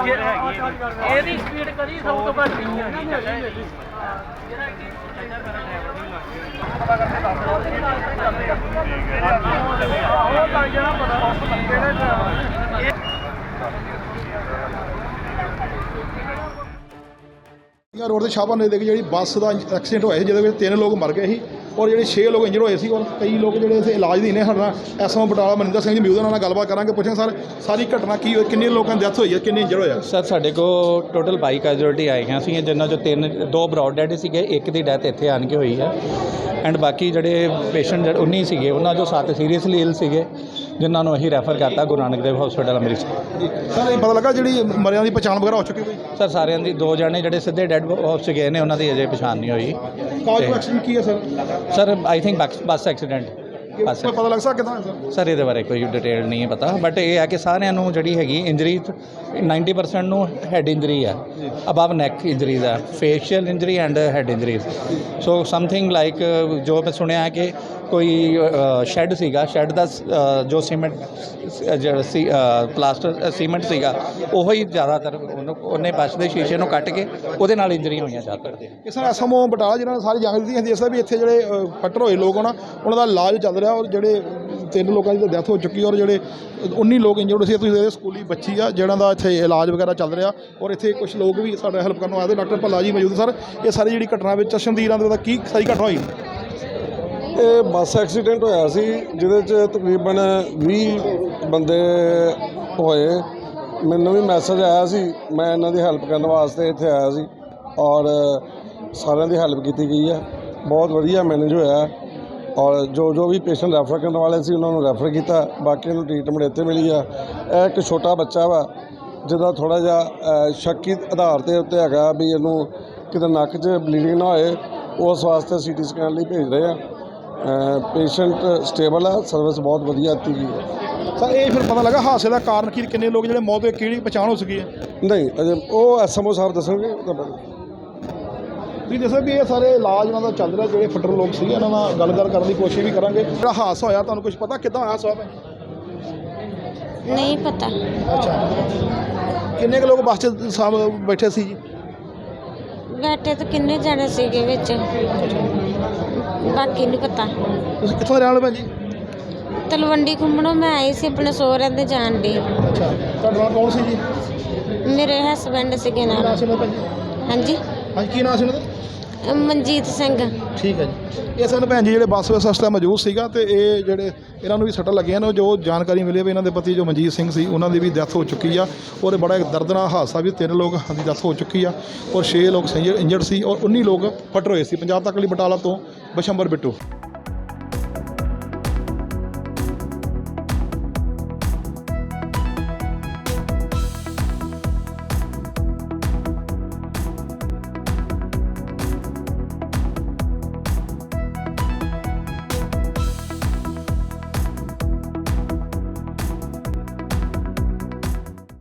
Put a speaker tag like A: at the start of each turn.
A: ਇਹਦੀ ਸਪੀਡ ਕਦੀ ਸਭ ਤੋਂ ਘੱਟ ਨਹੀਂ ਹੈ।
B: रोड से शाहपुर नज़दीक जी बस का एक्सीडेंट होया जिहदे विच 3 लोग मर गए सी और जो 6 लोग इंजर्ड होए सी और कई लोग जो इलाज नहीं ने साडा एसएमओ बटाला मनिंदर सिंह जी मौजूद उन्हां नाल गलबात करांगे पुछांगे सर सारी घटना की होई किन्ने लोगों की डेथ होई है किन्ने इंजर्ड होया
C: सर साढ़े को टोटल 22 कैजुअलिटी आईਆਂ ਸੀ जिन्हां चों 2 ब्रॉड डेड ਸੀਗੇ एक ਦੀ ਡੈਥ ਇੱਥੇ ਆਣ ਕੇ ਹੋਈ ਹੈ ਐਂਡ ਬਾਕੀ ਜਿਹੜੇ ਪੇਸ਼ੈਂਟ 19 ਸੀਗੇ ਉਹਨਾਂ ਚੋਂ 7 ਸੀਰੀਅਸਲੀ ਇਲ ਸੀਗੇ ਜਿਨ੍ਹਾਂ ਨੂੰ ਅਸੀਂ ਰੈਫਰ ਕਰਤਾ ਗੁਰੂ ਨਾਨਕ ਦੇਵ ਹਸਪੀਟਲ ਅੰਮ੍ਰਿਤਸਰ।
B: ਸਰ ਇਹ ਪਤਾ ਲੱਗਾ ਜਿਹੜੀ ਮਰਿਆਂ ਦੀ ਪਛਾਣ ਵਗੈਰਾ ਹੋ ਚੁੱਕੀ ਕੋਈ
C: ਸਰ ਸਾਰਿਆਂ ਦੀ 2 ਜਾਣੇ ਜਿਹੜੇ ਸਿੱਧੇ ਡੈਡ ਹਾਊਸ 'ਚ ਗਏ ਨੇ ਉਹਨਾਂ ਦੀ ਅਜੇ ਪਛਾਣ ਨਹੀਂ ਹੋਈ।
B: ਕਾਜ ਐਕਸੀਡੈਂਟ ਕੀ ਹੈ sir
C: I think bus accident ਬਸ
B: ਕੋਈ ਪਤਾ ਲੱਗ ਸਕਦਾ ਕਿਦਾਂ
C: ਸਰ ਇਹਦੇ ਬਾਰੇ ਕੋਈ ਡਿਟੇਲ ਨਹੀਂ ਪਤਾ ਬਟ ਇਹ ਹੈ ਕਿ ਸਾਰਿਆਂ ਨੂੰ ਜਿਹੜੀ ਹੈਗੀ ਇੰਜਰੀ 90% ਨੂੰ ਹੈਡ ਇੰਜਰੀ ਹੈ ਅਬਵ ਨੈਕ ਇੰਜਰੀਜ਼ ਹੈ facial injury and head injuries so something like ਜੋ ਮੈਂ ਸੁਣਿਆ ਕਿ ਕੋਈ ਸ਼ੈੱਡ ਸੀਗਾ ਸ਼ੈੱਡ ਦਾ ਜੋ ਸੀਮੈਂਟ ਪਲਾਸਟਰ ਸੀਮੈਂਟ ਸੀਗਾ ਉਹ ਹੀ ਜ਼ਿਆਦਾਤਰ ਉਹਨੇ ਬੱਸ ਦੇ ਸ਼ੀਸ਼ੇ ਨੂੰ ਕੱਟ ਕੇ ਉਹਦੇ ਨਾਲ ਇੰਜਰੀ ਹੋਈਆਂ ਜ਼ਿਆਦਾਤਰ ਦੇ।
B: ਇਹ ਸਰ ਐਸਐਮਓ ਬਟਾਲਾ ਜਿਹਨਾਂ ਨੇ ਸਾਰੀ ਜਾਣਕਾਰੀ ਦਿੱਤੀ ਹੈ ਵੀ ਇੱਥੇ ਜਿਹੜੇ ਫੱਟਰ ਹੋਏ ਲੋਕ ਉਹਨਾਂ ਦਾ ਇਲਾਜ ਚੱਲ ਰਿਹਾ ਔਰ ਜਿਹੜੇ 3 ਲੋਕਾਂ ਦੀ ਡੈਥ ਹੋ ਚੁੱਕੀ ਔਰ ਜਿਹੜੇ 19 ਲੋਕ ਇੰਜਰਡ ਸੀ। ਤੁਸੀਂ ਦੇਖਦੇ ਸਕੂਲੀ ਬੱਚੀ ਆ ਜਿਹਨਾਂ ਦਾ ਇੱਥੇ ਇਲਾਜ ਵਗੈਰਾ ਚੱਲ ਰਿਹਾ ਔਰ ਇੱਥੇ ਕੁਝ ਲੋਕ ਵੀ ਸਾਡਾ ਹੈਲਪ ਕਰਨ ਆਏ ਡਾਕਟਰ ਭੱਲਾ ਜੀ ਮੌਜੂਦ। ਸਰ ਇਹ ਸਾਰੀ ਜਿਹੜੀ ਘਟਨਾ ਵਿੱਚ ਚਸ਼ਮਦੀਰਾਂ ਦੇ ਕੀ ਸਾਰੀ ਘਟਨਾ ਹੋਈ?
D: ਇਹ ਬੱਸ ਐਕਸੀਡੈਂਟ ਹੋਇਆ ਸੀ ਜਿਹਦੇ 'ਚ ਤਕਰੀਬਨ 20 ਬੰਦੇ ਹੋਏ। ਮੈਨੂੰ ਵੀ ਮੈਸੇਜ ਆਇਆ ਸੀ ਮੈਂ ਇਹਨਾਂ ਦੀ ਹੈਲਪ ਕਰਨ ਵਾਸਤੇ ਇੱਥੇ ਆਇਆ ਸੀ ਔਰ ਸਾਰਿਆਂ ਦੀ ਹੈਲਪ ਕੀਤੀ ਗਈ ਹੈ। ਬਹੁਤ ਵਧੀਆ ਮੈਨੇਜ ਹੋਇਆ ਔਰ ਜੋ ਵੀ ਪੇਸ਼ੈਂਟ ਰੈਫਰ ਕਰਨ ਵਾਲੇ ਸੀ ਉਹਨਾਂ ਨੂੰ ਰੈਫਰ ਕੀਤਾ ਬਾਕੀਆਂ ਨੂੰ ਟ੍ਰੀਟਮੈਂਟ ਇੱਥੇ ਮਿਲੀ ਆ। ਇਹ ਇੱਕ ਛੋਟਾ ਬੱਚਾ ਵਾ ਜਿਹਦਾ ਥੋੜ੍ਹਾ ਜਿਹਾ ਸ਼ੱਕੀ ਆਧਾਰ ਦੇ ਉੱਤੇ ਹੈਗਾ ਵੀ ਇਹਨੂੰ ਕਿਤੇ ਨੱਕ 'ਚ ਬਲੀਡਿੰਗ ਨਾ ਹੋਏ ਉਸ ਵਾਸਤੇ CT ਸਕੈਨ ਲਈ ਭੇਜ ਰਹੇ ਆ। ਪੇਸ਼ੈਂਟ ਸਟੇਬਲ ਆ ਸਰਵਿਸ ਬਹੁਤ ਵਧੀਆ ਦਿੱਤੀ ਗਈ ਹੈ।
B: ਸਰ ਇਹ ਫਿਰ ਪਤਾ ਲੱਗਾ ਹਾਦਸੇ ਦਾ ਕਾਰਨ ਕੀ ਕਿੰਨੇ ਲੋਕ ਜਿਹੜੇ ਮੌਤ ਹੋਏ ਕਿਹੜੀ ਪਛਾਣ ਹੋ ਸਕੀ ਹੈ?
D: ਨਹੀਂ ਅਜੇ ਉਹ ਐਸਐਮਓ ਸਾਹਿਬ ਦੱਸਣਗੇ।
B: ਤੁਸੀਂ ਦੱਸੋ ਵੀ ਇਹ ਸਾਰੇ ਇਲਾਜ ਉਹਨਾਂ ਦਾ ਚੱਲ ਰਿਹਾ ਜਿਹੜੇ ਫੱਟਰ ਲੋਕ ਸੀਗੇ ਇਹਨਾਂ ਨਾਲ ਗੱਲ ਕਰਨ ਦੀ ਕੋਸ਼ਿਸ਼ ਵੀ ਕਰਾਂਗੇ। ਜਿਹੜਾ ਹਾਦਸਾ ਹੋਇਆ ਤੁਹਾਨੂੰ ਕੁਝ ਪਤਾ ਕਿੱਦਾਂ ਹੋਇਆ ਸਾਹਿਬ?
E: ਨਹੀਂ ਪਤਾ।
B: ਅੱਛਾ ਕਿੰਨੇ ਕੁ ਲੋਕ ਬੱਸ 'ਚ ਬੈਠੇ ਸੀ ਜੀ?
E: ਬੈਠੇ ਤਾਂ ਕਿੰਨੇ ਜਣੇ ਸੀਗੇ ਵਿੱਚ ਬਾਕੀ ਨਹੀਂ ਪਤਾ।
B: ਤੁਸੀਂ ਕਿੱਥੋਂ ਦੇ ਰਹਿਣ ਵਾਲੇ ਭੈਣ ਜੀ?
E: ਤਲਵੰਡੀ ਘੁੰਮਣੋਂ ਮੈਂ ਆਈ ਸੀ ਆਪਣੇ ਸਹੁਰਿਆਂ ਦੇ ਜਾਣ ਦੀ।
B: ਅੱਛਾ ਤੁਹਾਡੇ ਨਾਲ ਕੌਣ ਸੀ ਜੀ?
E: ਮੇਰੇ ਹਸਬੈਂਡ ਸੀਗੇ ਨਾਲ।
B: ਨਾਮ ਸੀ ਉਹਨਾਂ ਦਾ ਭੈਣ ਜੀ?
E: ਹਾਂਜੀ
B: ਹਾਂਜੀ ਕੀ ਨਾਮ ਸੀ ਉਹਨਾਂ ਦਾ?
E: ਮਨਜੀਤ ਸਿੰਘ।
B: ਠੀਕ ਹੈ ਜੀ। ਇਹ ਸਾਨੂੰ ਭੈਣ ਜੀ ਜਿਹੜੇ ਬੱਸ ਵਿੱਚ ਸਸਤਾ ਮੌਜੂਦ ਸੀਗਾ ਤੇ ਇਹ ਜਿਹੜੇ ਇਹਨਾਂ ਨੂੰ ਵੀ ਸੱਟਾਂ ਲੱਗੀਆਂ ਨੇ ਜੋ ਜਾਣਕਾਰੀ ਮਿਲੀ ਵੀ ਇਹਨਾਂ ਦੇ ਪਤੀ ਜੋ ਮਨਜੀਤ ਸਿੰਘ ਸੀ ਉਹਨਾਂ ਦੀ ਵੀ ਡੈਥ ਹੋ ਚੁੱਕੀ ਆ ਔਰ ਬੜਾ ਇੱਕ ਦਰਦਨਾਕ ਹਾਦਸਾ ਵੀ 3 ਲੋਕ ਦੀ ਡੈਥ ਹੋ ਚੁੱਕੀ ਆ ਔਰ 6 ਲੋਕ ਇੰਜਰਡ ਸੀ ਔਰ 19 ਲੋਕ ਫੱਟਰ ਹੋਏ ਸੀ। ਪੰਜਾਬ ਤੱਕ ਲਈ ਬਟਾਲਾ ਤੋਂ ਬਸ਼ੰਬਰ ਬਿੱਟੂ।